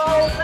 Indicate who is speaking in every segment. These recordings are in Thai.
Speaker 1: แฟ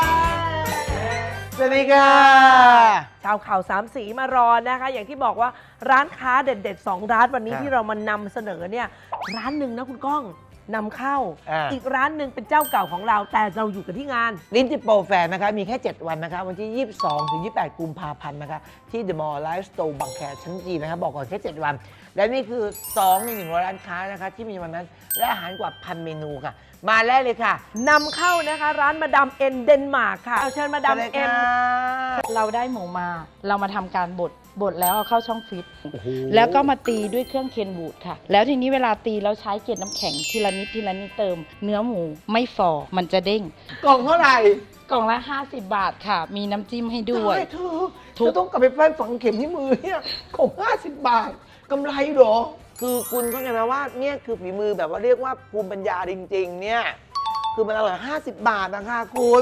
Speaker 1: สวัสดีค่ะ
Speaker 2: ชาวข่าวสามสีมารอนะคะ อย่างที่บอกว่าร้านค้าเด็ดๆ2ร้านวันนี้ที่เรามานำเสนอเนี่ยร้านหนึ่งนะคุณก้องนำเข้า อีกร้านหนึ่งเป็นเจ้าเก่าของเราแต่เราอยู่กันที่งาน
Speaker 1: ลิ้นจิโปรแฟร์นะคะมีแค่ 7 วันนะคะวันที่ 22 ถึง 28 กุมภาพันธ์นะคะที่ The Mall Life Store บางแคชั้นจีนะคะบอกก่อนแค่ 7 วัน และนี่คือ 2 ใน 100 ร้านค้านะคะที่มีวันนั้นและอาหารกว่า 1,000 เมนูค่ะ มาแรกเลยค่ะ
Speaker 2: นำเข้านะคะร้านมาดามเอ็นเดนมาร์กค่ะเอาเชิญมาดามเอ็น
Speaker 3: เราได้หมูมา เรามาทำการบดแล้วเอาเข้าช่องฟิต แล้วก็มาตีด้วยเครื่องเคนบูดค่ะ แล้วทีนี้เวลาตีเราใช้เกล็ดน้ำแข็งทีละนิดเติม เนื้อหมูไม่ฝ่อมันจะเด้ง
Speaker 1: กล่องเท่าไหร่
Speaker 3: กล่องละ 50 บาทค่ะ มีน้ำจิ้มให้ด้วย
Speaker 1: เธอต้องกลับไปแป้งฝังเข็มที่มือเนี่ยของ50 บาทกำไรเหรอ คือคุณเข้าใจไหมว่าเนี่ยคือฝีมือแบบว่าเรียกว่าภูมิปัญญาจริงๆเนี่ยคือมันอร่อย50 บาทนะคะคุณ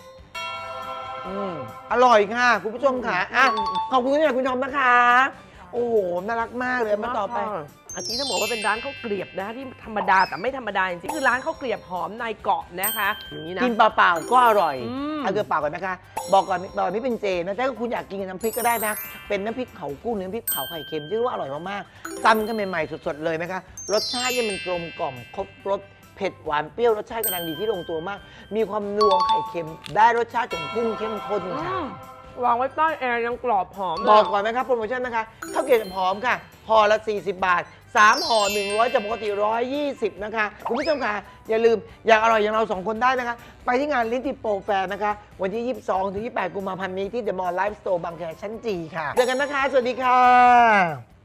Speaker 1: อร่อยค่ะคุณผู้ชมค่ะอ่ะขอบคุณคุณทอมนะคะ โอ้โหน่ารักมากเลยมาต่อไป
Speaker 2: อันนี้ต้องบอกว่าเป็นร้านข้าวเกรียบนะคะที่ธรรมดาแต่ไม่ธรรมดาจริงๆคือร้านข้าวเกรียบหอมนายเกาะนะคะอย่างนี้นะ
Speaker 1: กินเปล่าๆก็อร่อย
Speaker 2: ม
Speaker 1: เอาเกลือเปล่าก่อนนะคะ บอกก่อนตอนนี้เป็นเจนะถ้าคุณอยากกินกับน้ำพริกก็ได้นะ เป็นน้ำพริกเผากุ้งน้ำพริกเผาไข่เค็มที่ว่าอร่อยมากๆตำกันใหม่ๆสดๆเลยนะคะรสชาติเนี่ยมันกลมกล่อมครบรสเผ็ดหวานเปรี้ยวรสชาติกำลังดีที่ลงตัวมาก มีความนัวไข่เค็ม ได้รสชาติของกุ้งเข้มข้นค่ะ
Speaker 2: วางไว้ใต้แอร์ยังกรอบหอมเลย
Speaker 1: บอกก่อนนะครับโปรโมชั่นนะคะข้าวเกรี๊ยวหอมค่ะห่อละ 40 บาท 3 ห่อ 100จากปกติ 120 นะคะ คุณผู้ชมค่ะ อย่าลืม อยากอร่อยอย่างเรา 2 คนได้นะคะ ไปที่งานลิ้นติโปรแฟร์นะคะ วันที่ 22 ถึง 28 กุมภาพันธ์นี้ที่ The Mall Life Store บางแคชั้นจีค่ะ เจอกันนะคะ สวัสดีค่ะ